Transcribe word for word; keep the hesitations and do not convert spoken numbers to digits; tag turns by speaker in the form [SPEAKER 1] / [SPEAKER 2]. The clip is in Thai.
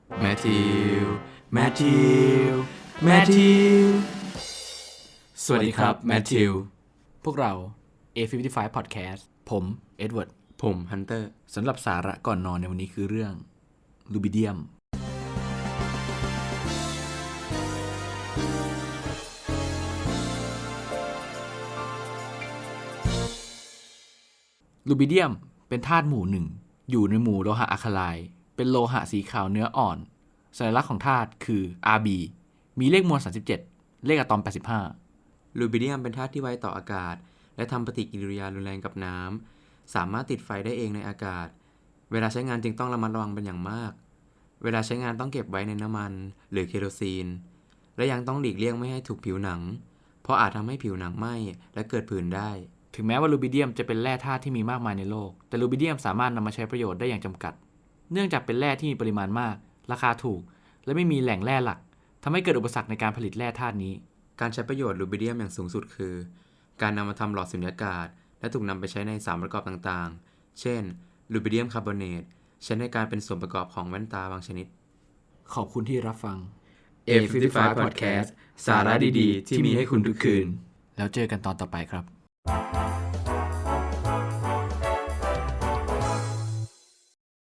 [SPEAKER 1] แมทธิว แมทธิว แมทธิว สวัสดีครับ แมทธิว
[SPEAKER 2] พวกเรา เอ ห้าสิบห้า Podcast ผม เอ็ดเวิร์ด
[SPEAKER 1] ผมฮันเตอร์
[SPEAKER 2] สำหรับสาระก่อนนอนในวันนี้คือเรื่องลูบิเดียมลูบิเดียมเป็นธาตุหมู่หนึ่งอยู่ในหมู่โลหะอะคาไลน์เป็นโลหะสีขาวเนื้ออ่อนสัญลักษณ์ของธาตุคือ อาร์ บี มีเลขมวลสามสิบเจ็ดเลขอะตอมแปดสิบห้า
[SPEAKER 1] ลูบิเดียมเป็นธาตุที่ไวต่ออากาศและทำปฏิกิริยารุนแรงกับน้ำสามารถติดไฟได้เองในอากาศเวลาใช้งานจึงต้องระมัดระวังเป็นอย่างมากเวลาใช้งานต้องเก็บไว้ในน้ำมันหรือเคโรซีนและยังต้องหลีกเลี่ยงไม่ให้ถูกผิวหนังเพราะอาจทำให้ผิวหนังไหม้และเกิดผื่นได้
[SPEAKER 2] ถึงแม้ว่าลูบิเดียมจะเป็นแร่ธาตุที่มีมากมายในโลกแต่ลูบิเดียมสามารถนำมาใช้ประโยชน์ได้อย่างจำกัดเนื่องจากเป็นแร่ที่มีปริมาณมากราคาถูกและไม่มีแหล่งแร่หลักทำให้เกิดอุปสรรคในการผลิตแร่ธาตุนี้
[SPEAKER 1] การใช้ประโยชน์ลูบิเดียมอย่างสูงสุดคือการนำมาทำหลอดสุญญากาศและถูกนำไปใช้ในสารประกอบต่างๆเช่นลูบิเดียมคาร์บอเนตใช้ในการเป็นส่วนประกอบของแว่นตาบางชนิด
[SPEAKER 2] ขอบคุณที่รับฟัง
[SPEAKER 1] เอ ห้าสิบห้า Podcast สาระดีๆที่มีให้คุณทุกคืน
[SPEAKER 2] แล้วเจอกันตอนต่อไปครับ